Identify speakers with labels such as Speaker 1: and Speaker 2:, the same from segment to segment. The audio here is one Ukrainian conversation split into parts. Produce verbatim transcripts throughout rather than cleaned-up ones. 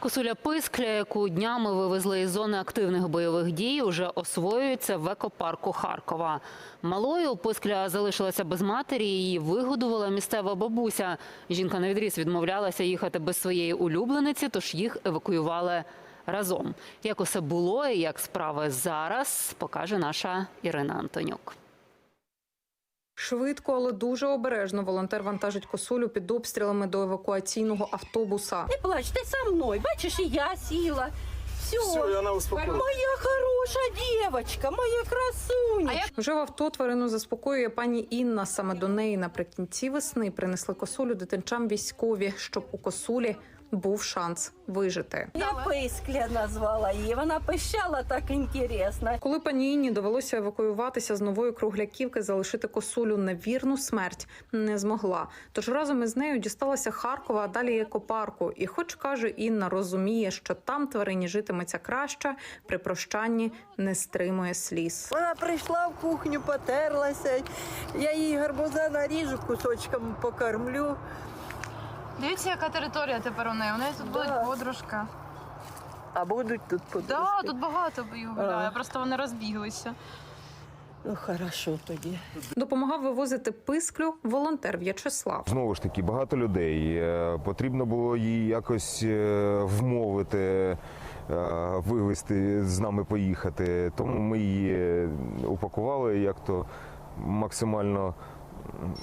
Speaker 1: Косуля Пискля, яку днями вивезли із зони активних бойових дій, уже освоюється в екопарку Харкова. Малою Пискля залишилася без матері, її вигодувала місцева бабуся. Жінка навідріз відмовлялася їхати без своєї улюблениці, тож їх евакуювали разом. Як усе було і як справи зараз, покаже наша Ірина Антонюк.
Speaker 2: Швидко, але дуже обережно волонтер вантажить Косулю під обстрілами до евакуаційного автобуса.
Speaker 3: Не плач, ти со мною. Бачиш, і я сіла. Все,
Speaker 4: Все, і вона успокоїлась.
Speaker 3: Моя хороша дівчинка, моя красуня.
Speaker 2: Вже в авто тварину заспокоює пані Інна. Саме до неї наприкінці весни принесли Косулю дитинчам військові, щоб у Косулі був шанс вижити.
Speaker 3: Я Пискля назвала її, вона пищала так інтересно.
Speaker 2: Коли пані Інні довелося евакуюватися з Нової Кругляківки, залишити Косулю на вірну смерть не змогла. Тож разом із нею дісталася Харкова, а далі екопарку. І хоч, каже Інна, розуміє, що там тварині житиметься краще, при прощанні не стримує сліз.
Speaker 5: Вона прийшла в кухню, потерлася, я їй гарбуза наріжу, кусочком покормлю.
Speaker 6: Дивіться, яка територія тепер у неї. У неї тут
Speaker 5: Да.
Speaker 6: буде подружка.
Speaker 5: А будуть тут подружки?
Speaker 6: Так, да, тут багато їх гуляє,
Speaker 5: А.
Speaker 6: просто вони розбіглися.
Speaker 5: Ну, хорошо тоді.
Speaker 2: Допомагав вивозити Писклю волонтер В'ячеслав.
Speaker 7: Знову ж таки, багато людей. Е, Потрібно було її якось е, вмовити, е, вивезти, з нами поїхати. Тому ми її упакували як-то максимально м,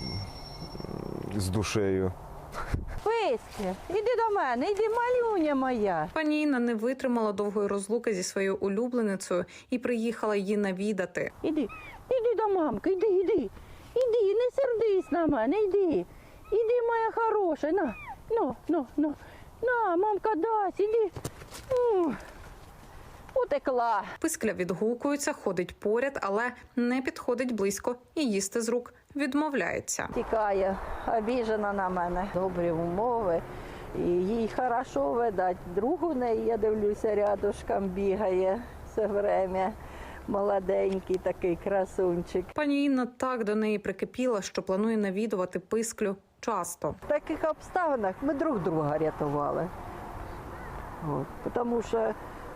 Speaker 7: з душею.
Speaker 3: Пискля, іди до мене, іди, малюня моя.
Speaker 2: Пані Інна не витримала довгої розлуки зі своєю улюбленицею і приїхала її навідати.
Speaker 3: Іди, іди до мамки, іди, іди. Іди, не сердись на мене, іди. Іди, моя хороша, на, ну, ну, ну. На, мамка дасть, іди. М. Утекла.
Speaker 2: Пискля відгукується, ходить поряд, але не підходить близько і їсти з рук відмовляється.
Speaker 3: Тікає, обіжена на мене. Добрі умови, і їй хорошо видать. Друг у неї, я дивлюся, рядышком бігає все время. Молоденький такий красунчик.
Speaker 2: Пані Інна так до неї прикипіла, що планує навідувати Писклю часто.
Speaker 3: В таких обставинах ми друг друга рятували. От, тому що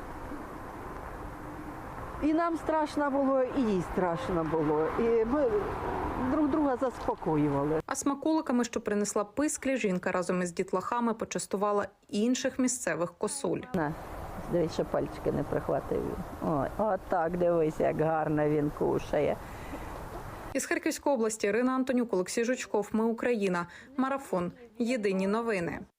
Speaker 3: і нам страшно було, і їй страшно було. І ми друг друга заспокоювали.
Speaker 2: А смаколиками, що принесла Писклі, жінка разом із дітлахами почастувала інших місцевих косуль.
Speaker 3: На, дивись, що пальчики не прихватив. Ой, от так, дивись, як гарно він кушає.
Speaker 2: Із Харківської області Ірина Антонюк, Олексій Жучков. Ми Україна. Марафон. Єдині новини.